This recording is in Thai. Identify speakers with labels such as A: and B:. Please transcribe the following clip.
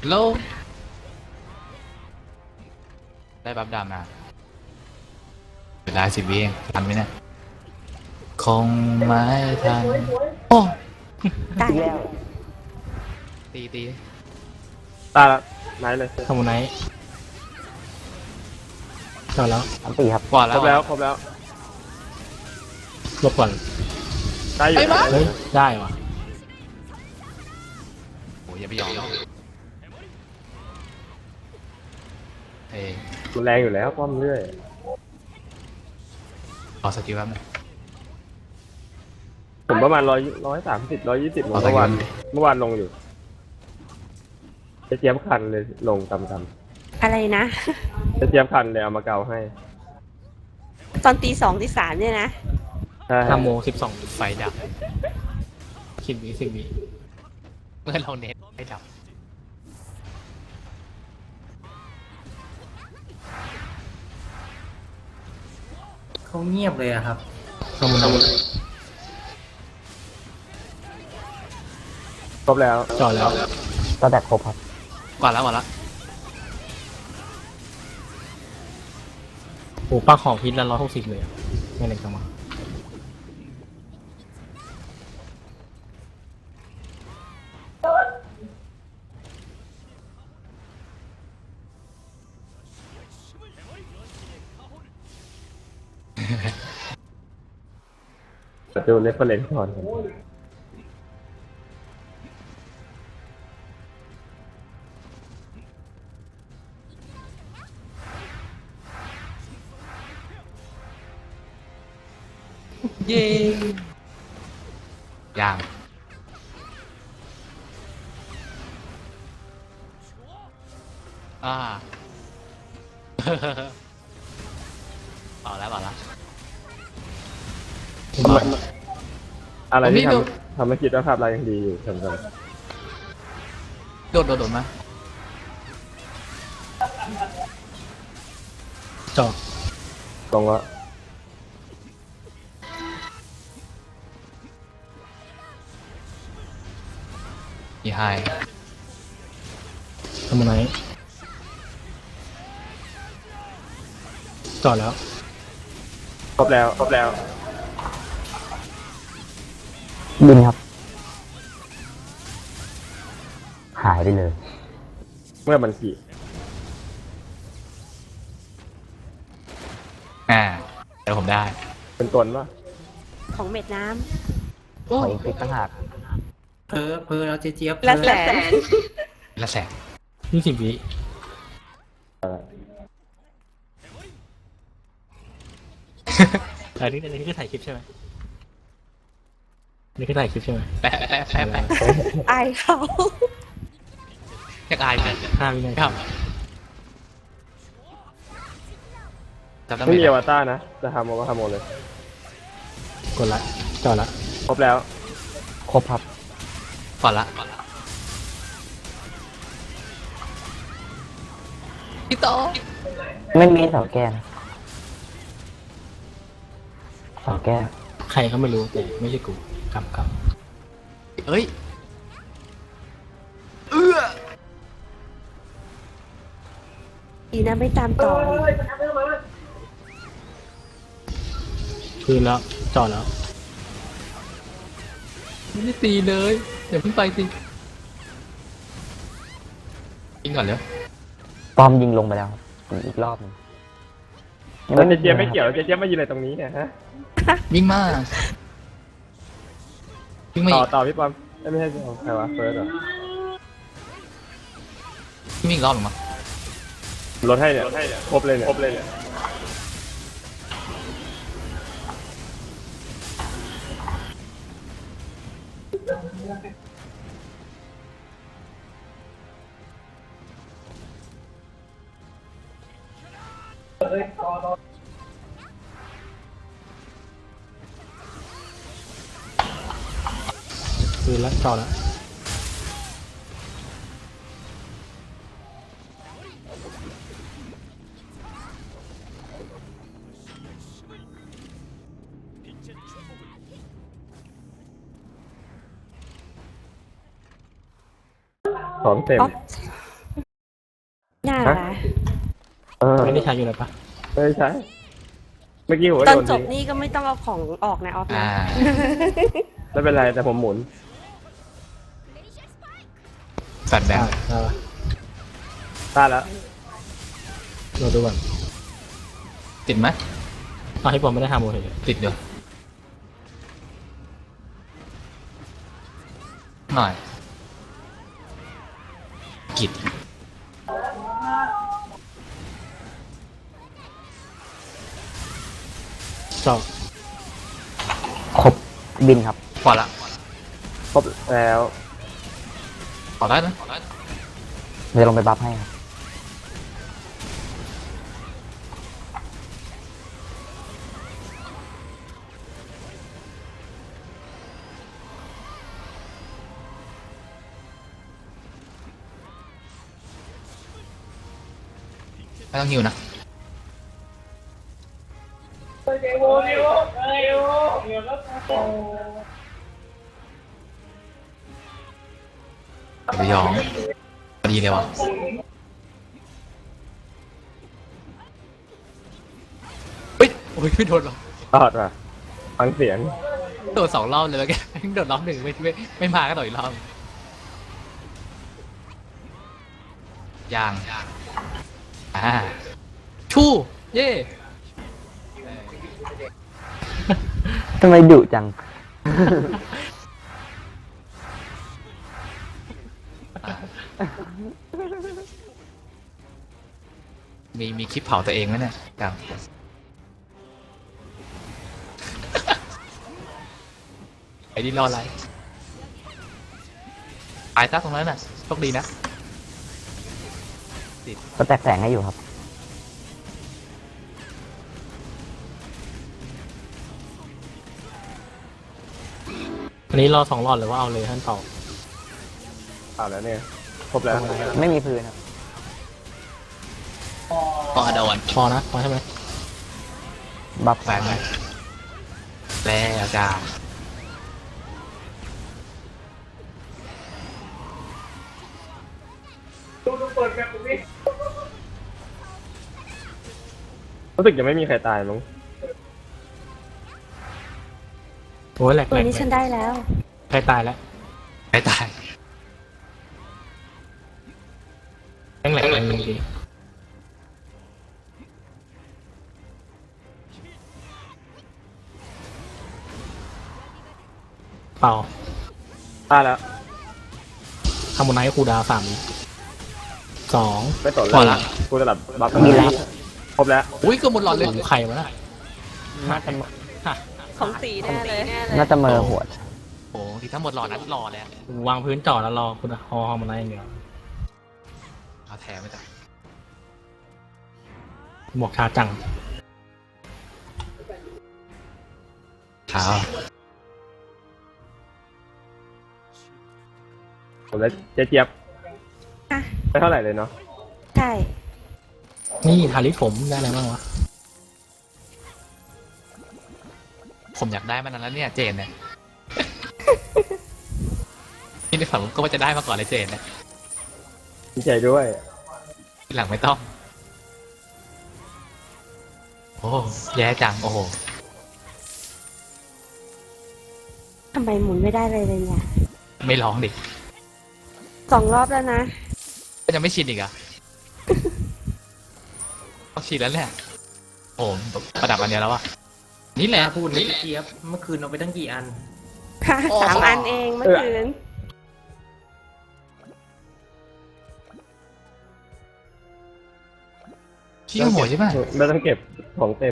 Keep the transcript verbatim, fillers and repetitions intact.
A: โลได้บัฟดามาเวลาสิบวิเองทันไหมเนี่ยคงไม่ทันโอ้
B: ตายแล้ว
A: ตีตี
C: ตายละไหนเลย
D: ทำไนจอดแล้ว
B: อันตีครับ
A: กว่า
C: ค
A: แล้
C: ร
A: ว
C: บแล้วครบแล้ว
D: ลบก่อน
C: ได้อยู่นะ
D: เฮ้ยได้ว่ะ
A: โอ้ยอย่าไปยอมเอ้ย
C: มันแรงอยู่แล้วป้อมเรื่อย
A: ขอสกิลแป๊บนึง
C: ผมประมาณร้อยร้อยสามสิบร้อยยี่สิบเมื่อวานเมื่อวานลงอยู่จะเจียมคันเลยลงตำตำ
B: อะไรนะ
C: จะเจียมคันเลยเอามาเกาให้
B: ตอนตีสองตีสามเนี่ยนะ
C: ใช่
D: ห้าโมงสิบสอง
A: ไฟดับ
D: สิบวิสิบวิ
A: เมื่อเราเน็ตไฟดับ
E: เขาเงียบเลยอะครับ
D: ทำไน
C: ครบแล้ว
D: จอดแล้ว
B: ก็แตกครบครับ
A: กว่าแล้วกว่าแล้ว
D: โอ้ป้าของพิษละร้อยหกสิบเลยอะไม่เล็กจังวะ
C: ดูเรฟเฟอเรนซ์ก่อนครับ
A: เย้ย่างอ่า เอาแล้วเอาแล้ว
C: อะไรที่
A: ผมนี่ดู
C: ทำทำให้คิดว่าภาพเรายังดีอยู่สำหรับ
A: โดดโดดโดดมา
D: จอด
C: ตรงว่า
A: มีไฮ
D: ทำไนจอดแล้ว
C: ครบแล้วครบแล้ว
B: บินครับ หายไปเลย
C: เมื่อมันขี่
A: อ่าเดี๋ยวผมได้
C: เป็นตนว่า
B: ของเม็ดน้
A: โอ้
B: ำขออีกฟิกต่างหาก
E: เพอเพอแล้วเจ๊เจี๊ยบ
B: ละแสน
A: ละแสน
D: ยี่สิบวิอันนี้อันนี้คือถ่ายคลิปใช่ไหมอันนี่คือถ่ายคลิปใช่ไหม
A: แปะแปะแปะแปะ
B: อายเขา
A: อยากอายเลย
D: ห้าวินา
A: ครั
D: ที
A: บจำได้
C: ไม่มี
A: ไห
C: อ
A: ม
C: วตารนะ จะทำเอาก็ทำหมดเลย
D: กดละจอดละ
C: ครบแล้ว
B: ครบครับ
A: ก่อนละก่อนละพี่โต
B: ไม่มีเสาแก้นะเสาแก้
D: ใครเขาไม่รู้แต่ไม่ใช่กูกำก
A: เอ้ยเอื้อ
B: ดีนะไม่ตามต่อเลย
D: ำคืนแล้วจอดแล้ว
A: ไม่ได้ตีเลยเดี๋ยวเพิ่งไปสิยิงก่อนเลย
B: ปอมยิงลงไปแล้วครับอีกรอบหนึง
C: แล้วเจเจี๊ยบไม่เกี่ยวเจเจี๊ยบมายืนอะไรตรงนี้เนี่ยฮะ
A: วิ่งมาวิ่งมา
C: ต่
A: อี
C: อก ต่อพี่ปอมเอ้ยไม่ใช่พี่ปอมใครวะเฟิร์สเหรอ
A: วิ่งมาอีกรอบหนึ่งมา
C: ลดให้เนี่ยครบเลยเนี่ยครบเลยเนี่ย
D: คืนแล้วจอดแล้ว
C: ของเต็ม
B: อ๋อ
D: ช้อยู่เลยปะ
C: ไม่ใช่เมื่อกี้ผมก็
B: ตอ
C: โย
B: น
C: น
B: จบ
C: ทิ้ง
B: นี่ก็ไม่ต้องเอาของออกนะออฟนะ
A: อ่า
C: ไม่เป็นไรแต่ผมหมุน
A: สัตว์แด
D: ได้
A: ง
D: ได้ปะ
C: ได้แล้ว
D: เราดูก่อน
A: ติดไหม
D: เอาให้ผมไม่ได้ทำโมเห็น
A: ติดเดี๋ยวหน่อยกิด
D: เจาะ
B: ครบบินครับ
A: พอละ
C: ครบแล้ว
A: ขอได้นะ
B: เดี๋ยวลงไปบัฟให้ครับ
A: ไม่ต้องหิวนะไปยองพอดีเลยวะเฮ้ยโอ้ยไม่โดนหรอก
C: รอดว่ะฟังเสียง
A: โดดสองรอบเลยแล้วแกโดดรอบหนึ่งไม่ไม่ไม่มาก็โดดอีกรอบยางอ่าชู่เย่
B: ทำไมดุจัง
A: มีมีคลิปเผาตัวเองไหมเนี่ยกับ ไอ้นี่รออะไรตายซะตรงนั้นน่ะโชคดีนะ
B: ก็แตกแสงให้อยู่ครับ
D: อันนี้รอสองรอดหรือว่าเอาเลยท่านต่อ
C: เอาแล้วเนี่ยครบแล้ว
B: ไม่มีพื้นครับ
A: พอโดน
D: พอนะพอใช่ไหม
B: บัฟ
A: ไปไปแล้วจ้า
C: รู้สึกจะไม่มีใครตายมั้ง
D: โอ้ยแหลก
B: ตั
D: แห
B: ว
D: ลก
B: นี้ฉันได้แล้ว
D: ใครตายแล้ว
A: ไม่ตาย
D: แม่งแหลกแรงจริงๆเปล่า
C: ตายแล้ว
D: ทำบนไนท์คูลดาวน์สามสอง
C: ไม่สน
A: พอ
C: แล้
A: ละ
C: วกูจะหลับบัฟ
B: มีแล้ว
C: ครบแล้ว
A: อุ้ยก็หมดหลอดเลย
D: หลังไข่วะน่ะ
B: น่าจะ
D: ฮะ
B: ของสีแน่เลยน่าจะเมอหัวด
A: โอ้โหที่ถ้าหมดหลอดนั้นรอแล้ว
D: วางพื้นจอดแล้วรอคุณฮอฮอมันไนท์อย่างเดียว
A: เอาแถมไปจ้ะ
D: หมวกชาจัง
A: เท้า
C: ผมแล้วเจ๊เจี๊ยบ
B: อ่ะ
C: ไม่เท่าไหร่เลยเนาะ
B: ใช่
D: นี่ทาริสผมได้อะไรบ้างวะ
A: ผมอยากได้มานานแล้วเนี่ยเจนเนี่ย นี่ในฝันผมก็ว่าจะได้มาก่อนเลยเจนเนี่ย
C: ดีใจด้วย
A: ทีหลังไม่ต้อง โอ้แย่จังโอ้โห
B: ทำไมหมุนไม่ได้เลยเลยเนี่ย
A: ไม่ร้องดิ
B: สองรอบแล้วนะ
A: ก็ยังไม่ชินอีกเหรอ่ะ ต้องชินแล้วแหละโอ้ประดับอันเดียวแล้วอะนี่แหละ
E: พูดเลยเจ๊เจี๊ยบเมื่อคืนเอาไปตั้งกี่อัน
B: ค่ะสามอันเองเมื่อคืน
A: พี่โหดใช่ไหม
C: ไม่ต้องเก็บของเต็ม